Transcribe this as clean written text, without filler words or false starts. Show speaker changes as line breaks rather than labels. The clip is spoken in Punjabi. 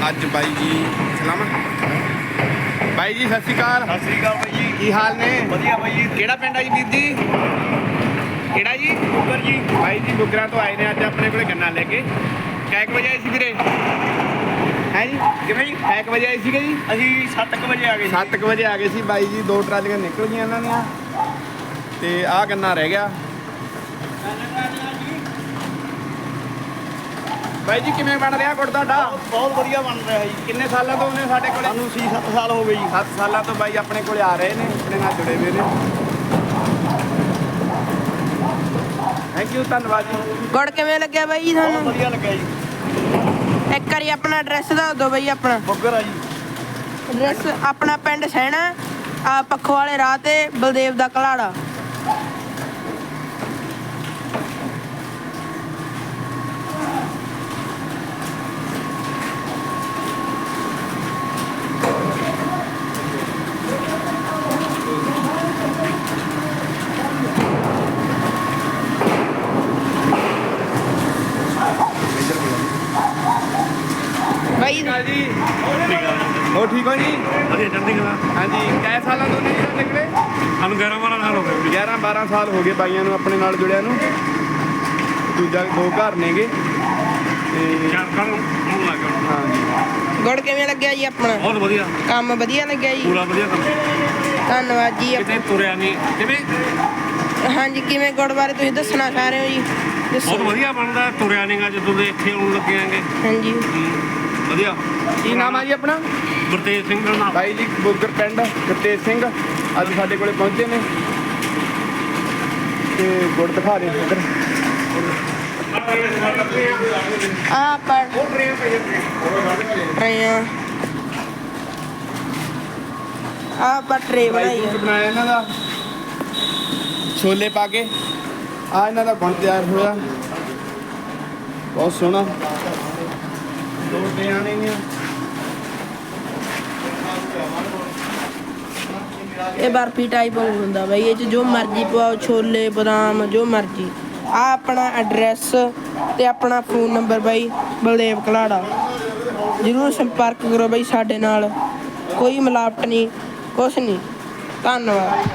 ਅੱਜ ਬਾਈ ਜੀ ਸਲਾਮ ਬਾਈ ਜੀ, ਸਤਿ ਸ਼੍ਰੀ ਅਕਾਲ।
ਸਤਿ ਸ਼੍ਰੀ ਅਕਾਲ ਬਾਈ ਜੀ,
ਕੀ ਹਾਲ ਨੇ?
ਵਧੀਆ ਬਾਈ ਜੀ।
ਕਿਹੜਾ ਪਿੰਡ ਆ ਜੀ ਵੀਰ ਜੀ? ਕਿਹੜਾ ਜੀ?
ਬੁੱਗਰ ਜੀ।
ਬਾਈ ਜੀ ਬੁੱਗਰਾਂ ਤੋਂ ਆਏ ਨੇ ਅੱਜ ਆਪਣੇ ਕੋਲੇ ਗੰਨਾ ਲੈ ਕੇ। ਕਿੰਨੇ ਵਜੇ ਆਏ ਸੀ ਵੀਰੇ? ਹੈ ਜੀ
ਕਿਵੇਂ ਜੀ?
ਕਿੰਨੇ ਵਜੇ ਆਏ ਸੀਗੇ ਜੀ?
ਅਸੀਂ 7 ਵਜੇ ਆ ਗਏ ਜੀ।
7 ਵਜੇ ਆ ਗਏ ਸੀ ਬਾਈ ਜੀ। 2 ਟਰਾਲੀਆਂ ਨਿਕਲ ਗਈਆਂ ਇਹਨਾਂ ਦੀਆਂ ਤੇ ਆਹ ਗੰਨਾ ਰਹਿ ਗਿਆ। ਬਾਈ ਜੀ ਕਿਵੇਂ ਬਣ ਰਿਹਾ ਗੁੜ ਤੁਹਾਡਾ?
ਬਹੁਤ ਵਧੀਆ ਬਣ ਰਿਹਾ ਜੀ।
ਕਿੰਨੇ ਸਾਲਾਂ ਤੋਂ ਨੇ ਸਾਡੇ ਕੋਲੇ?
ਸਾਨੂੰ 6-7 ਸਾਲ ਹੋ ਗਏ ਜੀ।
7 ਸਾਲਾਂ ਤੋਂ ਬਾਈ ਆਪਣੇ ਕੋਲੇ ਆ ਰਹੇ ਨੇ, ਆਪਣੇ ਨਾਲ ਜੁੜੇ ਹੋਏ ਨੇ। ਥੈਂਕ ਯੂ, ਧੰਨਵਾਦ ਜੀ।
ਗੁੜ ਕਿਵੇਂ ਲੱਗਿਆ ਬਾਈ ਜੀ
ਬਹੁਤ
ਤੁਹਾਨੂੰ?
ਵਧੀਆ ਲੱਗਿਆ ਜੀ।
ਇੱਕ ਵਾਰੀ ਆਪਣਾ ਐਡਰੈਸ ਦੱਸ ਦਿਓ ਬਾਈ। ਆਪਣਾ
ਬੁੱਗਰ ਆ ਜੀ।
ਐਡਰੈਸ ਆਪਣਾ ਪਿੰਡ ਸੈਣਾ ਆ, ਪੱਖੋ ਵਾਲੇ ਰਾਹ ਤੇ ਬਲਦੇਵ ਦਾ ਘਲਾੜਾ। ਬਾਈ
ਜੀ ਹੋ ਠੀਕ ਹੋ ਜੀ?
ਵਧੀਆ ਚੜ੍ਹਦੀ ਕਲਾ।
ਹਾਂਜੀ, ਕਿੰਨੇ ਸਾਲਾਂ ਤੋਂ ਨੇ ਜੀ ਨਿਕਲੇ?
ਸਾਨੂੰ 11-12 ਸਾਲ ਹੋ ਗਏ।
11-12 ਸਾਲ ਹੋ ਗਏ ਬਾਈਆਂ ਨੂੰ ਆਪਣੇ ਨਾਲ ਜੁੜਿਆ ਨੂੰ। ਦੂਜਾ 2 ਘਰ ਨੇਗੇ ਤੇ
ਚਾਰ ਸਾਲ ਹੋਣ ਲੱਗ ਗਏ।
ਹਾਂਜੀ।
ਗੁੜ ਕਿਵੇਂ ਲੱਗਿਆ ਜੀ ਆਪਣਾ?
ਬਹੁਤ ਵਧੀਆ,
ਕੰਮ ਵਧੀਆ ਲੱਗਿਆ ਜੀ?
ਪੂਰਾ ਵਧੀਆ ਕੰਮ।
ਧੰਨਵਾਦ ਜੀ।
ਕਿਤੇ ਤੁਰਿਆ ਨਹੀਂ। ਕਿਵੇਂ?
ਹਾਂਜੀ, ਕਿਵੇਂ ਗੁੜ ਬਾਰੇ ਤੁਸੀਂ ਦੱਸਣਾ ਚਾਹ ਰਹੇ ਹੋ ਜੀ?
ਬਹੁਤ
ਦੱਸੋ।
ਵਧੀਆ ਬਣਦਾ। ਤੁਰਿਆ ਨਹੀਂਗਾ ਜਦੋਂ ਦੇ ਇੱਥੇ ਆਉਣ ਲੱਗੇ ਆਂਗੇ।
ਹਾਂਜੀ,
ਵਧੀਆ।
ਕੀ ਨਾਮ ਆ ਜੀ ਆਪਣਾ?
ਗੁਰਤੇਜ ਸਿੰਘ ਦਾ ਨਾਮ।
ਬਾਈ ਜੀ ਬੁੱਗਰ ਪਿੰਡ, ਗੁਰਤੇਜ ਸਿੰਘ ਅੱਜ ਸਾਡੇ ਕੋਲੇ ਪਹੁੰਚੇ ਨੇ ਤੇ ਗੁੜ ਦਿਖਾ ਦੇ ਇੱਧਰ।
ਆ ਪੜ ਰਹੇ ਆ। ਆ ਪਟਰੇ
ਬਾਈ
ਬਣਾਈ
ਜੀ
ਆ।
ਬਣਾਇਆ ਇਹਨਾਂ ਦਾ ਛੋਲੇ ਪਾ ਕੇ। ਆ ਇਹਨਾਂ ਦਾ ਗੁੜ ਤਿਆਰ ਹੋਇਆ, ਬਹੁਤ ਸੋਹਣਾ। 2 ਟਿਆਂ ਨੇਗੀਆਂ।
ਇਹ ਬਰਫੀ ਟਾਈਪ ਹੁੰਦਾ ਬਾਈ। ਇਹ ਚ ਜੋ ਮਰਜ਼ੀ ਪਵਾਓ, ਛੋਲੇ ਬਦਾਮ ਜੋ ਮਰਜ਼ੀ। ਆ ਆਪਣਾ ਐਡਰੈਸ ਤੇ ਆਪਣਾ ਫੋਨ ਨੰਬਰ ਬਾਈ ਬਲਦੇਵ ਘਲਾੜਾ। ਜ਼ਰੂਰ ਸੰਪਰਕ ਕਰੋ ਬਾਈ ਸਾਡੇ ਨਾਲ। ਕੋਈ ਮਿਲਾਵਟ ਨਹੀਂ, ਕੁਛ ਨਹੀਂ। ਧੰਨਵਾਦ।